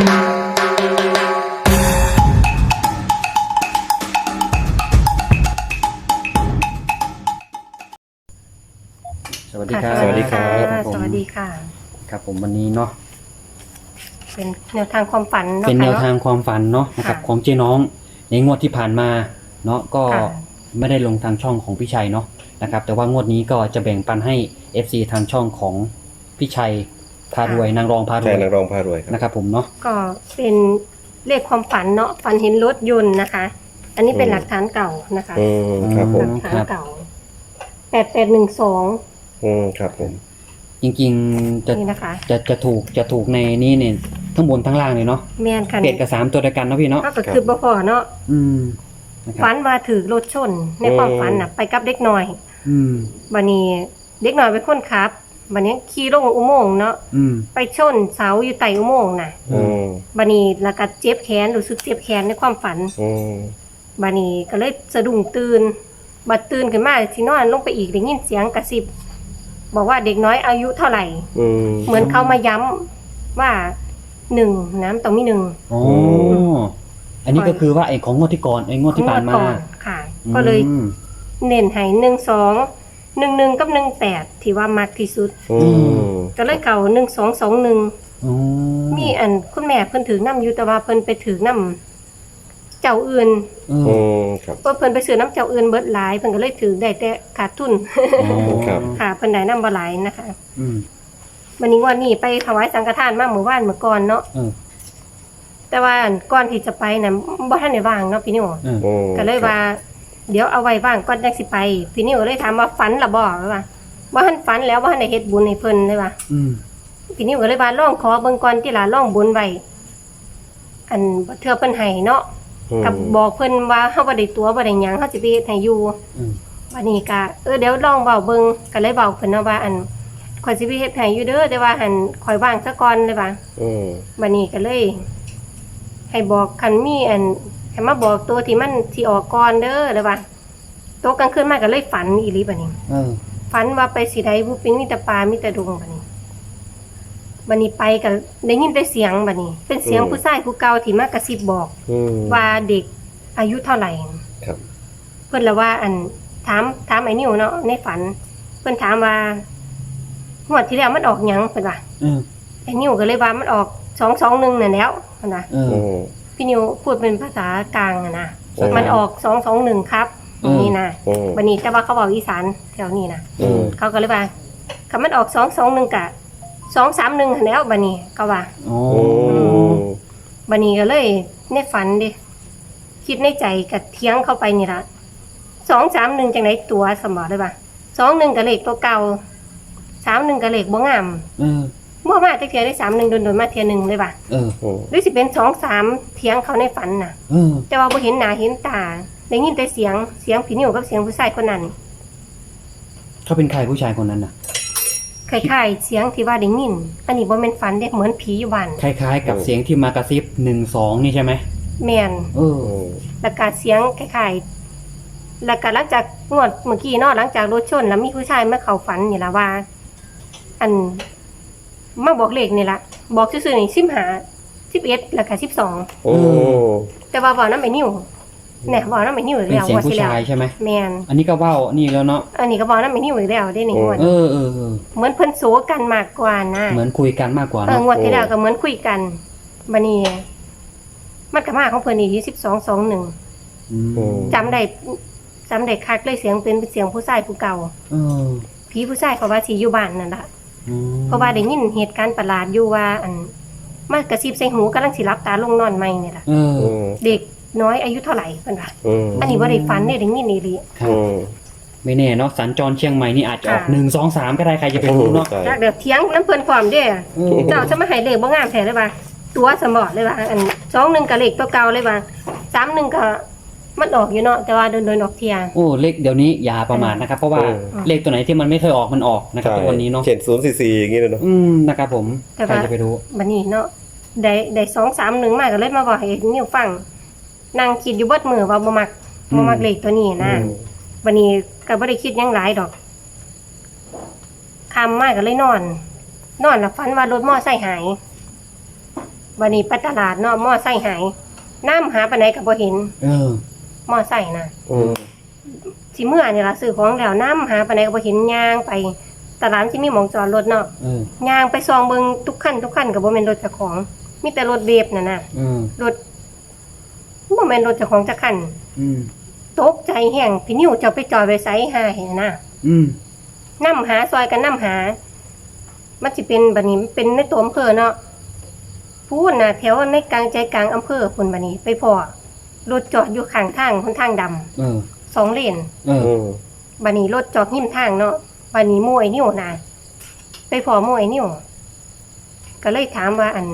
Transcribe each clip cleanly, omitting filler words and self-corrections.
สวัสดีครับสวัสดีครับผมสวัสดีค่ะครับผมวันนี้เนาะเป็นแนวทางความฝันเนาะเป็นแนวค่ะทางความฝันเนาะนะครับค่ะของเจ๊น้องในงวดที่ผ่านมาเนาะก็ค่ะไม่ได้ลงทางช่องของพี่ชัยเนาะนะครับแต่ว่างวดนี้ก็จะแบ่งปันให้ FC ทางช่องของพี่ชัยพารวยนางรองพารวใช่ยนางรองพารวยครับนะครับผมเนาะก็เป็นเลขความฝันเนาะฝันเห็นรถยนต์นะคะ อันนี้เป็นหลักฐานเก่านะคะครับผหมลักฐานเก่า8812 ครับผมจริงๆจะนี่นะคะจะถูกในนี้เนี่ยทั้งบนทั้งล่างเลยเนาะแม่นค่ะเป็ดกับ3ตัวเดียวกันเนาะพี่เนาะก็คือบ่พอเนาะอืมนะครับฝันว่าถือรถชนในความฝันน่ะไปกับเด็กน้อยอืมบัดนี้เด็กน้อยเป็นคนขับบัดนี้ขี่ลงอุโมงค์เนาะอืมไปชนเสาอยู่ใต้อุโมงค์น่ะ บัดนี้แล้วก็เจ็บแขนรู้สึกเจ็บแขนในความฝัน บัดนี้ก็เลยสะดุ้งตื่นบัดตื่นขึ้นมาที่นอนลงไปอีกได้ยินเสียงกระซิบบอกว่าเด็กน้อยอายุเท่าไหร่ เหมือนเขามาย้ำว่า1น้ำต้องมี1 อ๋ออันนี้ก็คือว่าไอ้ของงวดที่ก่อนไอ้งวดที่ผ่านมาก่อนค่ะ ก็เลยอืมเน้นให้12 11กับ18ที่ว่ามักที่สุด ก็เลยเก่า1221 อ๋อมีอันคุณแม่เพิ่นถือน้ำอยู่แต่ว่าเพิ่นไปถือน้ำเจ้าอื่นเออครับเพราะเพิ่นไปซื้อน้ำเจ้าอื่นเบิดหลายเพิ่นก็เลยถือได้แต่ขาดทุนครับค่ะเพิ่นได้น้ำบ่หลายนะคะอืมวันนี้วันนี้ไปถวายสังฆทานมาเมื่อวานเมื่อก่อนเนาะเออแต่ว่าก่อนที่จะไปน่ะบ่ทันได้ว่างเนาะพี่นิวเออก็เลยว่า เดี๋ยวเอาไว้ว่างก่อนจังสิไปพี่นิวเลยถามว่าฝันล่ะบ่ว่าบ่ทันฝันแล้วบ่ทันได้เฮ็ดบุญให้เพิ่นเลยว่าอืมพี่นิวก็เลยว่าลองขอเบิ่งก่อนที่ล่ะลองบุญไว้อันบ่เทื่อเพิ่นให้เนาะกับบอกเพิ่นว่าเฮาบ่ได้ตัวบ่ได้หยังเฮาสิไปเฮ็ดให้อยู่อืมวันนี้ก็เดี๋ยวลองเว้าเบิ่งก็เลยเว้าเพิ่นเนาะว่าอันข่อยสิไปเฮ็ดให้อยู่เด้อแต่ว่าหันข่อยว่างซะก่อนเลยว่า วันนี้ก็เลย ให้บอกคันมีอันให้มาบอกตัวที่มันที่ออกก่อนเด้อเลยว่าโตกลางคืนมาก็เลยฝันอีหลีบัดนี้เออฝันว่าไปสิใดผู้ปิงมีแต่ปลามีแต่ดงบัดนี้บัดนี้ไปก็ได้ยินแต่เสียงบัดนี้ เป็นเสียงผู้ชายผู้เก่าที่มากระซิบบอก ว่าเด็กอายุเท่าไหร่ครับเพิ่นละว่าอันถามไอ้นิวเนาะในฝัน เพิ่นถามว่างวดที่แล้วมันออกหยังเพิ่นว่าเออไอ้นิวก็เลยว่ามันออก221นั่นแล้วเพิ่นว่าเออพี่นิวพูดเป็นภาษากลางอะนะอืมมันออก221ครับอืมนี่นะวันนี้แต่ว่าเขาบอกอีสานแถวนี้นะเขาก็เลยว่าคำมันออก221กะ231หั้นแล้วบัดนี้ก็ว่าโอ้บัดนี้ก็เลยในฝันดิคิดในใจกับเถียงเข้าไปนี่ละ231จังไดตัวสมอเลยว่า21ก็เลขตัวเก่า31ก็เลขบ่งามเออบ่มาจักเที่ยได้31โดนๆมาเที่ยหนึงเลยว่าเออหรือสิเป็น2-3เถียงเขาในฝันน่ะเออแต่ว่าบ่เห็นหน้าเห็นตาได้ยินแต่เสียงพี่นิวกับเสียงผู้ชายคนนั้นเขาเป็นใครผู้ชายคนนั้นน่ะคล้ายๆเสียงที่ว่าได้ยินอันนี้บ่แม่นฝันเด้เหมือนผีอยู่บ้านคล้ายๆ กับเสียงที่มากระซิบ12นี่ใช่ไหมแม่นเออแล้วก็เสียงคล้ายๆแล้วก็หลังจากงวดเมื่อกี้เนาะหลังจากรถชนแล้วมีผู้ชายมาเข้าฝันนี่ล่ะว่า อันมาบอกเลขนี่ล่ะบอกซื่อๆนี่15 11แล้วก็12แต่ว่าเว้านำไอ้นิวเนี่ยเว้านำไอ้นิวอีกเป็นแล้วเสียงว่าผู้สิแล้วชายใช่ไหมแม่นอันนี้ก็เว้านี่แล้วเนาะอันนี้ก็เว้านำไอ้นิวอีกแล้วได้นี่งวดเออเออเออเหมือนเพิ่นโซกันมากกว่านะเหมือนคุยกันมากกว่าเออเนาะงวดที่แล้วก็เหมือนคุยกันบัดนี้มันก็มาของเพิ่นอีกที่1221 อืมจำได้คักเลยเสียงเป็นเสียงผู้ชายผู้เก่าเออผีผู้ชายเขาว่าสิอยู่บ้านนั่นล่ะอืมเพราะว่าได้ยินเหตุการณ์ประหลาดอยู่ว่าอันมากระซิบใส่หูกำลังสิรับตาลงนอนใหม่นี่ล่ะเออเด็กน้อยอายุเท่าไหร่เพิ่นว่าอันนี้บ่ได้ฝันได้ยินอีหลีครับไม่แน่เนาะสัญจรเชียงใหม่นี่อาจจะออกค่ะ 1 2 3ก็ได้ใครจะไปรู้เนาะจักเดี๋ยวเถียงน้ำเพิ่นพร้อมเด้อเออเจ้าจะมาให้เลขบ่งามแท้เลยว่าตัวสมอดเลยว่าอัน21ก็เลขตัวเก่าเลยว่า31ก็มันออกอยู่เนาะแต่ว่าโดนๆออกเที่ยโอ้เลขเดี๋ยวนี้อย่าประมาทนะครับ เพราะว่าเลขตัวไหนที่มันไม่เคยออกมันออกนะครับทุกวันนี้เนาะเขียน044อย่างนี้เลยเนาะนะครับผมแต่ใครว่าจะไปรู้บัดนี้เนาะได้2-3-1มาก็เลยมาบอกให้นิวฟังนั่งคิดอยู่เบิดมื้อว่าบ่มักเลขตัวนี้นะบัดนี้ก็บ่ได้คิดหยังหลายดอกค่ำมาก็เลยนอนแล้วฝันว่ารถมอไซค์หายวันนี้ไปตลาดเนาะมอไซค์หายน้ำหาปานใดก็บ่เห็น มอไซค์น่ะ สิเมื่อนี่ล่ะซื้อของแล้วน้ำหาปานใดก็บ่เห็นย่างไปตลาดสิมีหม่องจอดรถเนาะย่างไปซองเบิ่งทุกคันก็บ่แม่นรถเจ้าของมีแต่รถเวฟนั่นน่ะรถบ่แม่นรถเจ้าของจักคันตกใจแห้งพี่นิ้วเจ้าไปจอดไว้ไสหาเห็นน่ะนำหาซอยกันนำหามันสิเป็นบัดนี้เป็นในตัวอำเภอเนาะพูนน่ะแถวในกลางใจกลางอำเภอพุ่นบัดนี้ไปพ้อรถจอดอยู่ข้างทางหนทางดำ2เลนบัดนี้รถจอดหิ้มทางเนาะบัดนี้หมู่ไอ้นิ้วน่ะไปพ้อหมู่ไอ้นิ้วก็เลยถามว่าอัน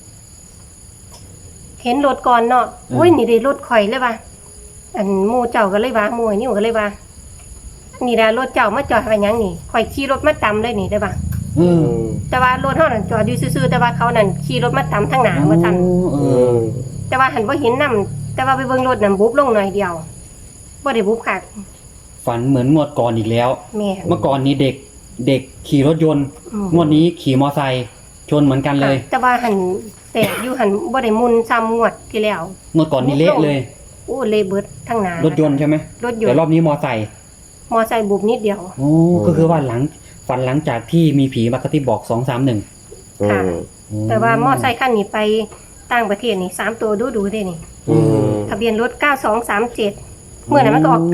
เห็นรถก่อนเนาะโอ้ยนี่ได้รถข่อยเลยว่ะอันหมู่เจ้าก็เลยว่าหมู่ไอ้นิ้วก็เลยว่านี่ล่ะรถเจ้ามาจอดไว้หยังนี่ข่อยขี่รถมาตามเลยนี่ได้ป่ะแต่ว่ารถเฮานั่นจอดอยู่ซื่อๆแต่ว่าเขานั่นขี่รถมาตามทางหน้าว่าซั่นแต่ว่าหันบ่เห็นนำแต่ว่าไปเบิ่งรถนั่นบุบลงหน่อยเดียวบ่ได้บุบคักฝันเหมือนงวดก่อนอีกแล้วแม่เมื่อก่อนนี้เด็กขี่รถยนต์งวดนี้ขี่มอไซค์ชนเหมือนกันเลยแต่ว่าหันแต่อยู่หันบ่ได้มุนซ้ำงวดที่แล้วงวดก่อนนี้เละเลยโอ้เละเบิดทั้งหน้ารถยนต์ใช่ไหมรถยนต์แต่รอบนี้มอไซค์บุบนิดเดียวโอ้ก็คือว่าฝันหลังจากที่มีผีมากระซิบบอก231 ค่ะแต่ว่ามอไซค์คันนี้ไปต่างประเทศนี่3ตัวดูๆเด้นี่ทะเบียนรถ9237เมื่อนั้นมันก็ออก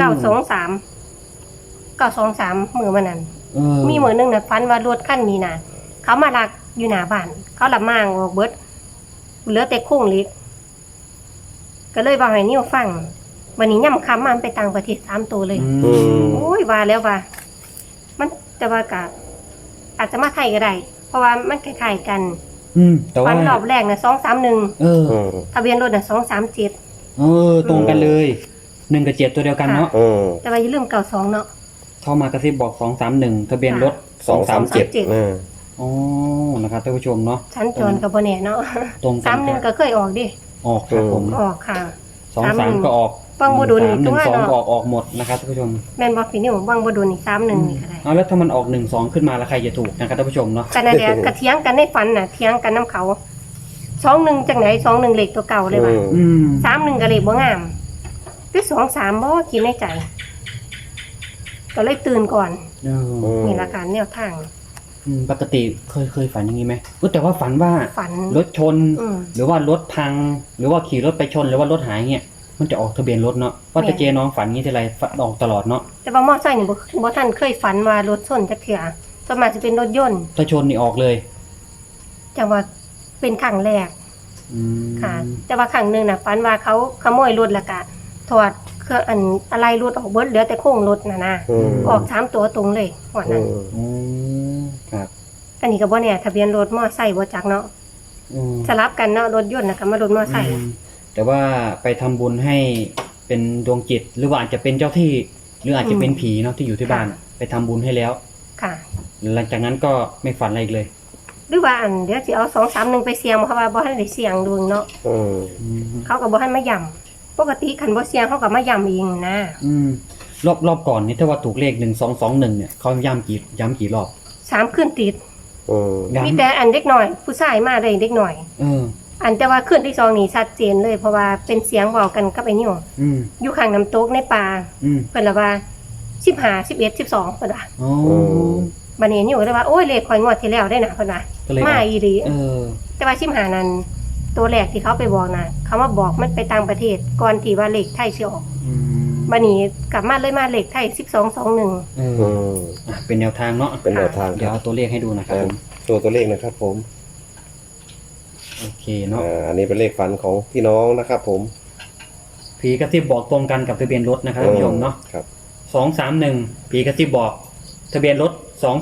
923มื้อมันนั้นมีมื้อนึงน่ะฝันว่ารถคันนี้น่ะเขามาลักอยู่หน้าบ้านเขาลับมางออกเบิดเหลือแต่โครงเหล็กก็เลยว่าให้นิ้วฟังวันนี้ย่ำคำมันไปต่างประเทศ3ตัวเลยโอ้ยว่าแล้วว่ามันแต่ว่าก็อาจจะมาไทยก็ได้เพราะว่ามันคล้ายๆกันแต่ว่าฝันรอบแรกน่ะ231ทะเบียนรถน่ะ237 ตรงกันเลย1กับ7ตัวเดียวกันเนาะแต่ว่าอย่าลืม92เนาะเข้ามากระซิบบอก231ทะเบียนรถ237อ๋อนะครับท่านผู้ชมเนาะชั้นจรก็บ่แน่เนาะตรงกัน 31ก็เคยออกดิออกครับผมออกค่ะ 23ก็ออกบางบ่ดุนนี่ตัว 2ก็ออกหมดนะครับท่านผู้ชมแม่นบ่พี่นี่บางบ่ดุนนี่31นี่ก็ได้แล้วถ้ามันออก12ขึ้นมาแล้วใครจะถูกนะครับท่านผู้ชมเนาะกันนั่นแหละก็เถียงกันในฝันน่ะเถียงกันนํเขา21จังไหน21เลขตัวเก่าเลยว่ะ31ก็เลขบ่งามคือ23บ่คิดในใจก็เลยตื่นก่อนนี่ละกันแนวทางปกติเคยฝันอย่างนี้ไหมแต่ว่าฝันว่ารถชนหรือว่ารถพังหรือว่าขี่รถไปชนหรือว่ารถหายเงี้ยมันจะออกทะเบียนรถเนาะว่าแต่เจน้องฝันงี้ทีไรออกตลอดเนาะแต่ว่ามอไซค์นี่บ่ทันเคยฝันว่ารถชนจักเทื่อส่วนมากจะเป็นรถยนต์ถ้าชนนี่ออกเลยจังว่าเป็นครั้งแรกค่ะแต่ว่าครั้งนึงน่ะฝันว่าเขาขโมยรถแล้วก็ถอดเครื่องอะไรรถออกเบิดเหลือแต่โครงรถน่ะนะออก3ตัวตรงเลยว่านั้นครับอันนี้ก็บ่แน่ทะเบียนรถมอไซค์บ่จักเนาะสลับกันเนาะรถยนต์น่ะก็มารถมอไซค์แต่ว่าไปทำบุญให้เป็นดวงจิตหรือว่าอาจจะเป็นเจ้าที่หรืออาจจะเป็นผีเนาะที่อยู่ที่บ้านไปทำบุญให้แล้วค่ะหลังจากนั้นก็ไม่ฝันอะไรอีกเลยหรือว่าเดี๋ยวสิเอา231ไปเสี่ยงเพราะว่าบ่ทันได้เสี่ยงดวงเนาะเขาก็บ่ทันมาย้ำปกติคันบ่เสี่ยงเขาก็มาย้ำเองนะรอบก่อนนี่ถ้าว่าถูกเลข1221เนี่ยเขาย้ำกี่รอบ 3คืนติดมีแต่อันเด็กหน่อยผู้ชายมาได้เด็กหน่อยอันแต่ว่าคืนที่2นี่ชัดเจนเลยเพราะว่าเป็นเสียงเว้ากันกับไอ้นิ้วอยู่ข้างน้ำตกในป่าเพิ่นละว่า15 11 12เพิ่นว่าบัดนี้นิ้วเลยว่าโอ้ยเลขข่อยงวดที่แล้วได้น่ะเพิ่นว่ามาอีหลีแต่ว่า15นั้นตัวแรกที่เขาไปบอกน่ะเขามาบอกมันไปต่างประเทศก่อนที่ว่าเลขไทยสิออกบัดนี้กลับมาเลยมาเลขไทย1221 เป็นแนวทางเนาะเป็นแนวทางเดี๋ยวเอาตัวเลขให้ดูนะครับผมตัวเลขนะครับผมโอเคเนาะอันนี้เป็นเลขฝันของพี่น้องนะครับผมผีกระซิบบอกตรงกันกับทะเบียนรถนะครับท่านผู้ชมเนาะครับ 231ผีกระซิบบอกทะเบียนรถ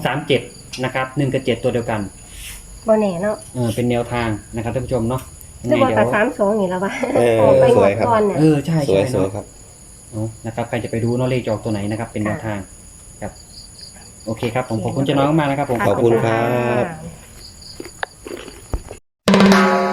237นะครับ1กับ7ตัวเดียวกันบ่แน่เนาะเป็นแนวทางนะครับท่านผู้ชมเนาะจะบอกกับ32นี่แล้วว่าไปงวดก่อนเนี่ยใช่สวยครับนะครับใครจะไปดูเนาะเลขจอกตัวไหนนะครับเป็นแนวทางครับโอเคครับผมขอบคุณเจ้าน้องมากนะครับผมขอบคุณครับ